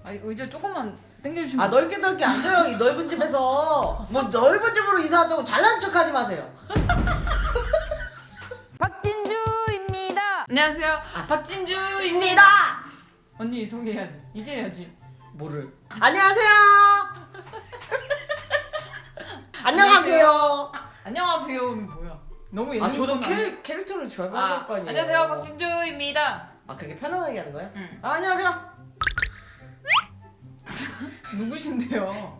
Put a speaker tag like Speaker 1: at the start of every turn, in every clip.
Speaker 1: 아니 의자 조금만 당겨주시면.
Speaker 2: 아 넓게 앉아요. 이 넓은 집에서 뭐 넓은 집으로 이사한다고 잘난 척하지 마세요.
Speaker 1: 박진주입니다. 안녕하세요. 박진주입니다. 언니 소개해야지. 이제 해야지.
Speaker 2: 뭐를? 안녕하세요. 안녕하세요.
Speaker 1: 안녕하세요는 뭐야? 너무 예능.
Speaker 2: 아 저도
Speaker 1: 코너
Speaker 2: 캐릭터를 좋아해야 될 거 아니에요.
Speaker 1: 안녕하세요 박진주입니다.
Speaker 2: 아 그렇게 편안하게 하는 거예요?
Speaker 1: 응.
Speaker 2: 아, 안녕하세요.
Speaker 1: 누구신데요?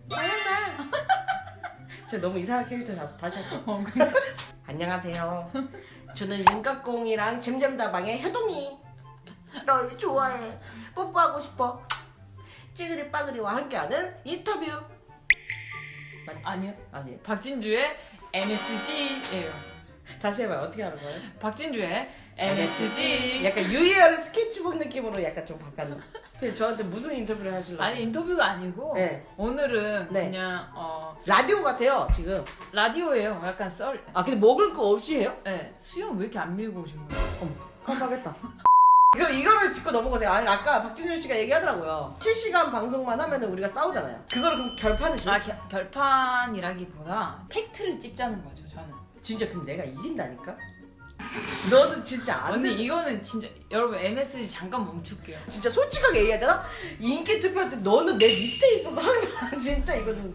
Speaker 2: 제가 너무 이상한 캐릭터 다시 할게요.
Speaker 1: 그러니까.
Speaker 2: 안녕하세요. 저는 윤깍공이랑 잼잼다방의 효동이. 너 좋아해. 뽀뽀하고 싶어. 찌그리 빠그리와 함께하는 인터뷰. 맞아?
Speaker 1: 아니요.
Speaker 2: 아니에요.
Speaker 1: 박진주의 MSG예요.
Speaker 2: 다시 해봐요. 어떻게 하는 거예요?
Speaker 1: 박진주의 MSG.
Speaker 2: 약간 유희열의 스케치북 느낌으로 약간 좀 바꿨나? 근데 저한테 무슨 인터뷰를 하실래요?
Speaker 1: 아니 인터뷰가 아니고
Speaker 2: 네.
Speaker 1: 오늘은
Speaker 2: 네.
Speaker 1: 그냥
Speaker 2: 라디오 같아요 지금.
Speaker 1: 라디오예요. 약간 썰.
Speaker 2: 아 근데 먹을 거 없이 해요?
Speaker 1: 네. 수영 왜 이렇게 안 밀고 오신 거예요?
Speaker 2: 어머 깜빡했다. 이거를 짚고 넘어가세요. 아니 아까 박진준 씨가 얘기하더라고요. 실시간 방송만 하면은 우리가 싸우잖아요. 그거를 그럼 결판을 지
Speaker 1: 결판이라기보다 팩트를 찝자는 거죠. 저는.
Speaker 2: 진짜 그럼 내가 이긴다니까? 너는 진짜 안
Speaker 1: 언니
Speaker 2: 돼.
Speaker 1: 이거는 진짜 여러분 MSG 잠깐 멈출게요.
Speaker 2: 진짜 솔직하게 얘기하잖아? 인기 투표할 때 너는 내 밑에 있어서 항상 진짜 이거는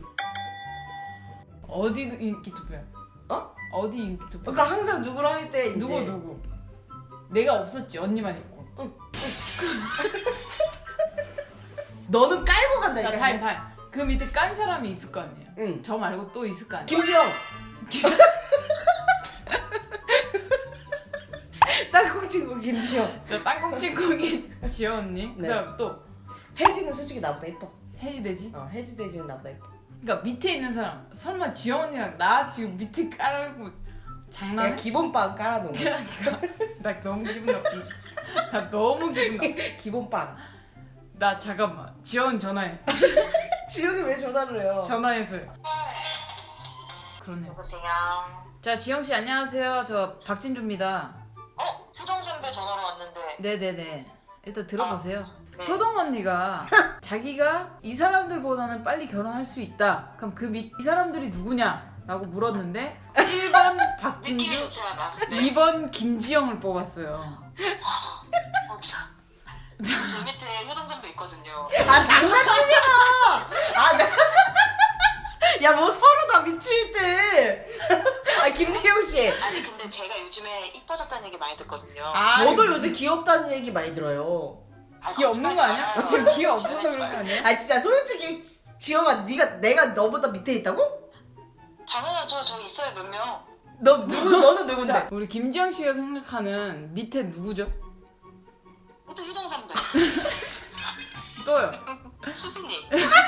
Speaker 1: 어디 인기 투표야?
Speaker 2: 어?
Speaker 1: 어디 인기 투표?
Speaker 2: 그러니까 항상 누구랑 할 때 이제
Speaker 1: 누구? 내가 없었지. 언니만 있고.
Speaker 2: 너는 깔고 간다니까.
Speaker 1: 자 타임. 그 밑에 깐 사람이 있을 거 아니에요.
Speaker 2: 응.
Speaker 1: 저 말고 또 있을 거 아니에요.
Speaker 2: 김지영. 땅콩 친구 김지영.
Speaker 1: 저 땅콩찌콩이 지연 언니.
Speaker 2: 네.
Speaker 1: 그다음 또
Speaker 2: 혜지는 솔직히 나보다 예뻐.
Speaker 1: 혜지돼지.
Speaker 2: 혜지 대지는 나보다 예뻐.
Speaker 1: 그러니까 밑에 있는 사람 설마 지연 언니랑 나 지금 밑에 깔고 장난해?
Speaker 2: 야 기본빵 깔아놓은 거.
Speaker 1: 나 너무 기분 나쁘. 나 너무 기분 나쁘.
Speaker 2: 기본빵.
Speaker 1: 나 잠깐만. 지연 전화해.
Speaker 2: 지영이 왜 전화를 해요?
Speaker 1: 전화해서요. 그러네.
Speaker 3: 여보세요.
Speaker 1: 자 지영 씨 안녕하세요. 저 박진주입니다.
Speaker 3: 효정 선배 전화로 왔는데.
Speaker 1: 네네네. 일단 들어보세요.
Speaker 3: 네.
Speaker 1: 효동 언니가 자기가 이 사람들보다는 빨리 결혼할 수 있다. 그럼 이 사람들이 누구냐? 라고 물었는데 1번
Speaker 3: 느낌이
Speaker 1: 박진주,
Speaker 3: 좋지 않아. 네.
Speaker 1: 2번 김지영을 뽑았어요.
Speaker 3: 제 밑에 효정 선배 있거든요.
Speaker 2: 아 장난치냐? 야 뭐 서로 다 미칠 때. 아 김지영 씨.
Speaker 3: 아니 근데 제가 요즘에 이뻐졌다는 얘기 많이 듣거든요.
Speaker 2: 저도 요새 귀엽다는 얘기 많이 들어요.
Speaker 1: 기 없는 거 아니야? 지금 기 없어서 그런 거 아니야?
Speaker 2: 아 진짜 솔직히 지영아 내가 너보다 밑에 있다고?
Speaker 3: 당연하죠. 저 있어요 몇 명.
Speaker 2: 너는 누군데?
Speaker 1: 자, 우리 김지영 씨가 생각하는 밑에 누구죠?
Speaker 3: 일단 효정 선배.
Speaker 1: 또요.
Speaker 3: 수빈이.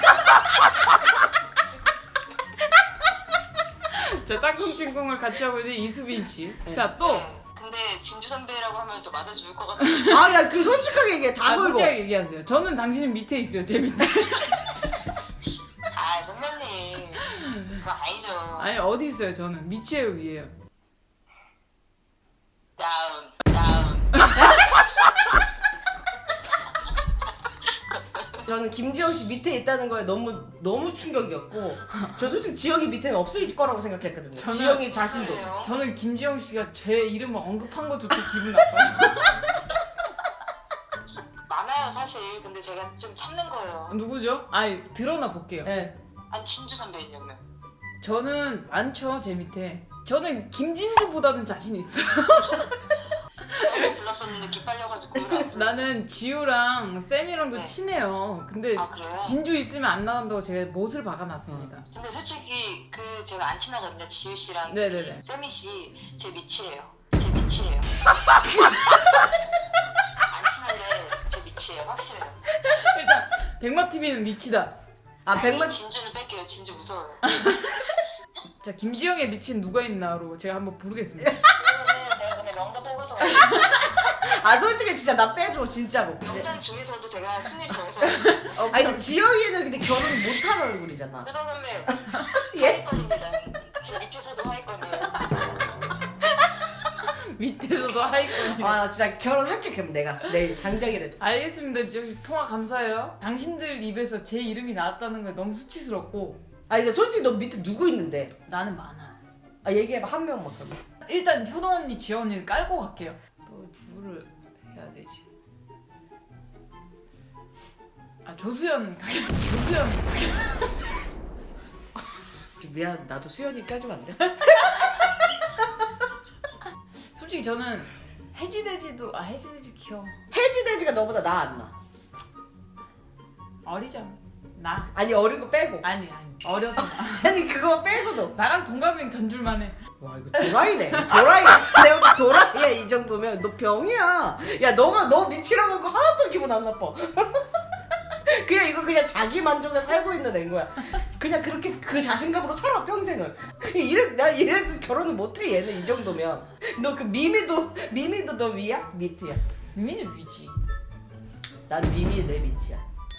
Speaker 1: 자 땅콩친콩을 같이 하고 있는 이수빈 씨. 자 또.
Speaker 3: 네. 근데 진주 선배라고 하면 저 맞아 죽을 것 같아.
Speaker 2: 아 야 그 솔직하게 얘기해. 다 걸고.
Speaker 1: 솔직하게 얘기하세요. 저는 당신은 밑에 있어요. 제 밑에.
Speaker 3: 아 선배님. 그거 아니죠.
Speaker 1: 아니 어디 있어요? 저는 밑이에요, 위에요.
Speaker 3: 다운.
Speaker 2: 저는 김지영 씨 밑에 있다는 거에 너무 충격이었고 저 솔직히 지영이 밑에는 없을 거라고 생각했거든요. 지영이 자신도.
Speaker 3: 그래요?
Speaker 1: 저는 김지영 씨가 제 이름을 언급한 것조차 기분 나빠요.
Speaker 3: 많아요 사실. 근데 제가 좀 참는 거예요.
Speaker 1: 누구죠? 아니 드러나 볼게요.
Speaker 2: 네.
Speaker 3: 아니 진주 선배는요 몇?
Speaker 1: 저는 많죠, 제 밑에. 저는 김진주보다는 자신 있어요.
Speaker 3: 너무 불렀었는데 기빨려가지고 노래 안 불러.
Speaker 1: 나는 지우랑 쌤이랑도
Speaker 3: 네.
Speaker 1: 친해요. 근데
Speaker 3: 아 그래요?
Speaker 1: 진주 있으면 안 나간다고 제가 못을 박아놨습니다.
Speaker 3: 근데 솔직히 그 제가 안 친하거든요. 지우 씨랑
Speaker 1: 네네네.
Speaker 3: 세미 씨 제 밑이에요. 제 밑이에요. 안 친한데 제 밑이에요. 확실해요.
Speaker 1: 일단 백마TV는 미치다.
Speaker 2: 아
Speaker 3: 아니,
Speaker 2: 백만
Speaker 3: 진주는 뺄게요. 진주 무서워요.
Speaker 1: 자 김지영의 미친 누가 있나로 제가 한번 부르겠습니다.
Speaker 3: 그러면 제가 근데 명단 뽑아서
Speaker 2: 아 솔직히 진짜 나 빼줘 진짜로.
Speaker 3: 명단 중에서도 제가 순위를 정해서
Speaker 2: 아니 근데 지영이는 근데 결혼 못할 얼굴이잖아.
Speaker 3: 효정 선배
Speaker 2: 예?
Speaker 3: 하위권입니다. 제 밑에서도 하위권이에요.
Speaker 1: 밑에서도 하이콘이래.
Speaker 2: 아 진짜 결혼할게 그럼 내가 내일 당장이라도.
Speaker 1: 알겠습니다. 역시 통화 감사해요. 당신들 입에서 제 이름이 나왔다는 게 너무 수치스럽고.
Speaker 2: 아니 근데 솔직히 너 밑에 누구 있는데?
Speaker 1: 나는 많아.
Speaker 2: 아 얘기해봐 한 명만 그러면.
Speaker 1: 일단 효동 언니, 지연 언니를 깔고 갈게요. 또 누구를 해야 되지? 아 조수연 가게. 조수연 가게.
Speaker 2: 미안 나도 수연이 껴주면 안 돼?
Speaker 1: 솔직히 저는 해지돼지도 해지돼지 귀여워.
Speaker 2: 해지돼지가 너보다 나 안 나.
Speaker 1: 어리잖아. 나.
Speaker 2: 아니 어린 거 빼고.
Speaker 1: 아니 어려서 나.
Speaker 2: 아니 그거 빼고도.
Speaker 1: 나랑 동갑이면 견줄만해.
Speaker 2: 와 이거 도라이네. 도라이. 내가 도라이야 이 정도면 너 병이야. 야 너 미치라고 하고 하나도 기분 안 나빠. 그냥 이거 그냥 자기 만족에 살고 있는 애인 거야. 그냥 그렇게 그 자신감으로 살아 평생을. 나 이래서 결혼을 못해 얘는 이 정도면. 너 그 미미도 너 위야? 밑이야?
Speaker 1: 미미는 위지.
Speaker 2: 난 미미 내 밑이야.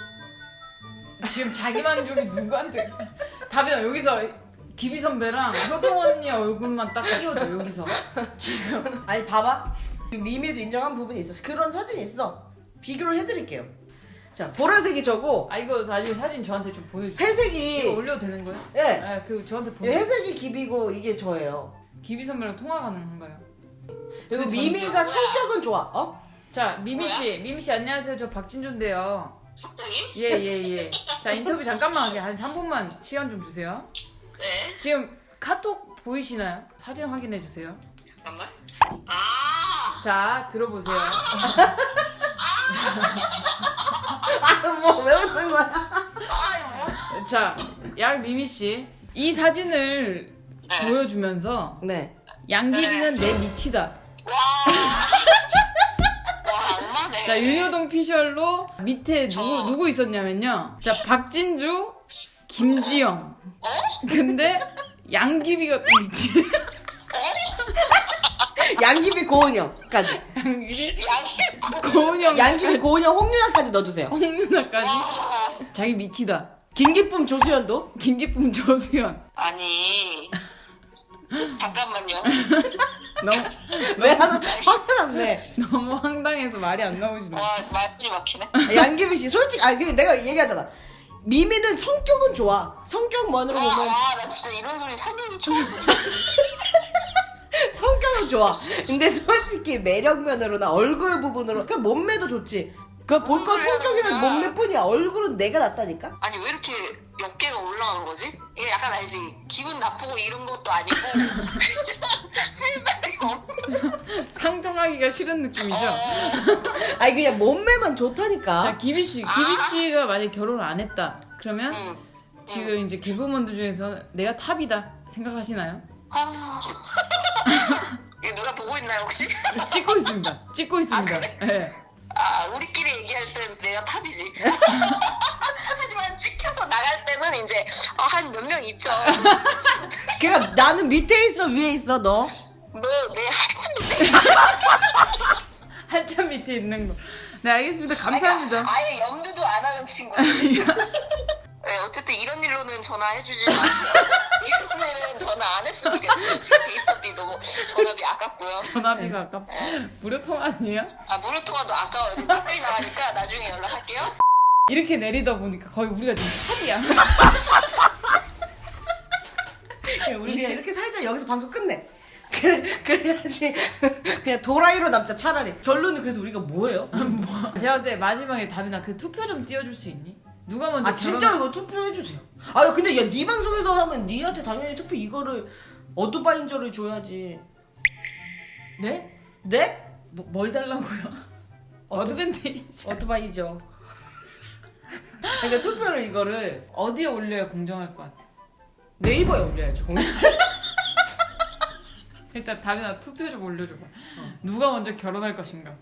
Speaker 1: 지금 자기 만족이 누구한테? 다빈아 여기서 기비 선배랑 효동 언니 얼굴만 딱 띄워줘 여기서. 지금.
Speaker 2: 아니 봐봐. 미미도 인정한 부분이 있어. 그런 사진이 있어. 비교를 해드릴게요. 자 보라색이 저고
Speaker 1: 아 이거 나중에 사진 저한테 좀 보여주세요.
Speaker 2: 회색이
Speaker 1: 이거 올려도 되는 거예요?
Speaker 2: 예.
Speaker 1: 네, 그 저한테 보여.
Speaker 2: 회색이 기비고 이게 저예요.
Speaker 1: 기비 선배랑 통화 가능한가요?
Speaker 2: 그리고
Speaker 1: 그
Speaker 2: 미미가
Speaker 3: 전투야.
Speaker 2: 성격은 좋아. 어?
Speaker 1: 자 미미 씨 안녕하세요. 저 박진주인데요.
Speaker 3: 갑자기?
Speaker 1: 예. 자 인터뷰 잠깐만 하게 한 3분만 시간 좀 주세요.
Speaker 3: 네.
Speaker 1: 지금 카톡 보이시나요? 사진 확인해 주세요.
Speaker 3: 잠깐만. 아.
Speaker 1: 자 들어보세요.
Speaker 2: 아뭐 왜 웃는 거야?
Speaker 3: 아.
Speaker 1: 자 양미미 씨 이 사진을
Speaker 3: 네.
Speaker 1: 보여주면서
Speaker 2: 네.
Speaker 1: 양귀비는 내 밑이다.
Speaker 3: 와. 와 악마네.
Speaker 1: 자 윤효동 피셜로 밑에
Speaker 3: 저-
Speaker 1: 누구 있었냐면요. 자 박진주, 김지영. 근데 양귀비가 또 밑이.
Speaker 2: 양귀비 고은영까지.
Speaker 1: 양귀비,
Speaker 3: 양이.
Speaker 1: 고은영,
Speaker 2: 양귀비 고은영 홍윤아까지 넣어주세요.
Speaker 1: 홍윤아까지
Speaker 3: 와.
Speaker 1: 자기 밑이다.
Speaker 2: 김기쁨 조수연도.
Speaker 1: 김기쁨, 조수연.
Speaker 3: 아니. 잠깐만요.
Speaker 1: 너무
Speaker 2: 왜 하나 화가 났네.
Speaker 1: 너무 황당해서 말이 안 나오시네.
Speaker 3: 와 말문이 막히네.
Speaker 2: 양귀비 씨 솔직히 아니 내가 얘기하잖아. 미미는 성격은 좋아. 성격만으로 보면
Speaker 3: 나 진짜 이런 소리 살면서 처음 듣어.
Speaker 2: 성격은 좋아. 근데 솔직히 매력면으로나 얼굴 부분으로 그 몸매도 좋지. 그 볼 거
Speaker 3: 무슨 소리
Speaker 2: 성격이랑
Speaker 3: 하는 거야?
Speaker 2: 몸매뿐이야. 얼굴은 내가 낫다니까.
Speaker 3: 아니 왜 이렇게 어깨가 올라가는 거지? 이게 약간 알지? 기분 나쁘고 이런 것도 아니고 할 말이 없어.
Speaker 1: 상정하기가 싫은 느낌이죠.
Speaker 2: 아니 그냥 몸매만 좋다니까.
Speaker 1: 자 기비 씨가 만약 결혼을 안 했다. 그러면
Speaker 3: 응.
Speaker 1: 지금 이제 개그우먼들 중에서 내가 탑이다 생각하시나요?
Speaker 3: 아. 이거 누가 보고 있나요 혹시?
Speaker 1: 찍고 있습니다. 찍고 있습니다.
Speaker 3: 그래?
Speaker 1: 네.
Speaker 3: 아 우리끼리 얘기할 땐 내가 탑이지. 하지만 찍혀서 나갈 때는 이제 한 몇 명 있죠.
Speaker 2: 그러니까 나는 밑에 있어 위에 있어 너.
Speaker 3: 너내 한참 밑에.
Speaker 1: 한참 밑에 있는 거. 네 알겠습니다. 감사합니다.
Speaker 3: 아예 염두도 안 하는 친구. 네, 어쨌든 이런 일로는 전화해주지 마세요. 이런 일은 전화 안 했으면 좋겠어요. 지금 데이터비 너무 전화비 아깝고요.
Speaker 1: 전화비가 아까 무료 통화 아니에요?
Speaker 3: 아 무료 통화도 아까워요. 지금 댓글이 나가니까 나중에 연락할게요.
Speaker 1: 이렇게 내리다 보니까 거의 우리가 지금 탑이야.
Speaker 2: 우리 그냥 이렇게 살자. 여기서 방송 끝내. 그래야지. 그냥 도라이로 남자 차라리. 결론은 그래서 우리가 뭐예요?
Speaker 1: 제가 봤을 때 마지막에 다빈아 그 투표 좀 띄워줄 수 있니? 누가 먼저
Speaker 2: 아 진짜 이거 투표해주세요. 아 근데 야 네 방송에서 하면 니한테 당연히 투표 이거를 어드바인저를 줘야지.
Speaker 1: 네?
Speaker 2: 네?
Speaker 1: 뭘 달라고요? 어드밴테이지.
Speaker 2: 어드바이저. 그러니까 투표를 이거를
Speaker 1: 어디에 올려야 공정할 것 같아?
Speaker 2: 네이버에 올려야지. 공개.
Speaker 1: 일단 다빈아 투표 좀 올려줘봐. 누가 먼저 결혼할 것인가?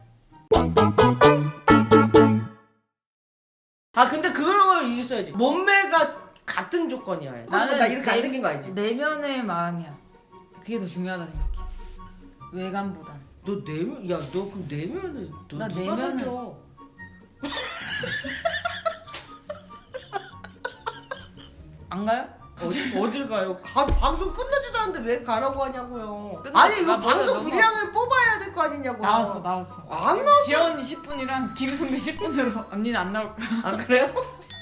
Speaker 2: 아 근데 그걸 있어야지. 몸매가 같은 조건이야. 나는 나 이렇게 안 생긴 거 알지?
Speaker 1: 내면의 마음이야. 그게 더 중요하다 생각해. 외관보단.
Speaker 2: 너 내면 야 너 그럼 내면은 너
Speaker 1: 나
Speaker 2: 누가
Speaker 1: 내면은-
Speaker 2: 사겨?
Speaker 1: 안 가요?
Speaker 2: 어딜 가요? 방송 끝나지도 않는데 왜 가라고 하냐고요.
Speaker 1: 끝났어.
Speaker 2: 아니 이거
Speaker 1: 나 먼저
Speaker 2: 방송
Speaker 1: 넘어가.
Speaker 2: 분량을 뽑아야 될 거 아니냐고.
Speaker 1: 나왔어.
Speaker 2: 안 나왔어.
Speaker 1: 지연 언니 10분이랑 기비 선배 10분으로 언니는 안 나올 거야.
Speaker 2: 아 그래요?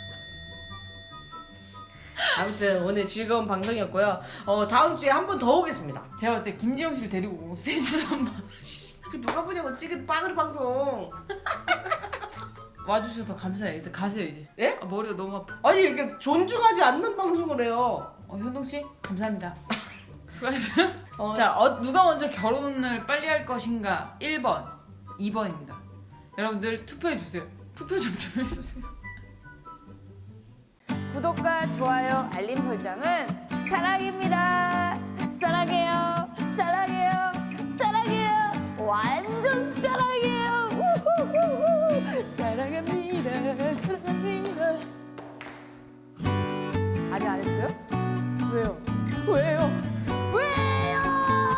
Speaker 2: 아무튼 오늘 즐거운 방송이었고요. 다음 주에 한 번 더 오겠습니다.
Speaker 1: 제가 봤을 때 김지영 씨를 데리고 셋이서 한번
Speaker 2: 그 누가 보냐고 찍은 빠그리 방송.
Speaker 1: 와주셔서 감사해요. 일단 가세요 이제.
Speaker 2: 예?
Speaker 1: 아, 머리가 너무 아파.
Speaker 2: 아니 이렇게 존중하지 않는 방송을 해요.
Speaker 1: 현동 씨 감사합니다. 수고하셨어요.
Speaker 2: 어,
Speaker 1: 자, 누가 먼저 결혼을 빨리 할 것인가? 1번, 2번입니다. 여러분들 투표해 주세요. 투표 좀 해주세요.
Speaker 4: 구독과 좋아요, 알림 설정은 사랑입니다. 사랑해요. 사랑해요.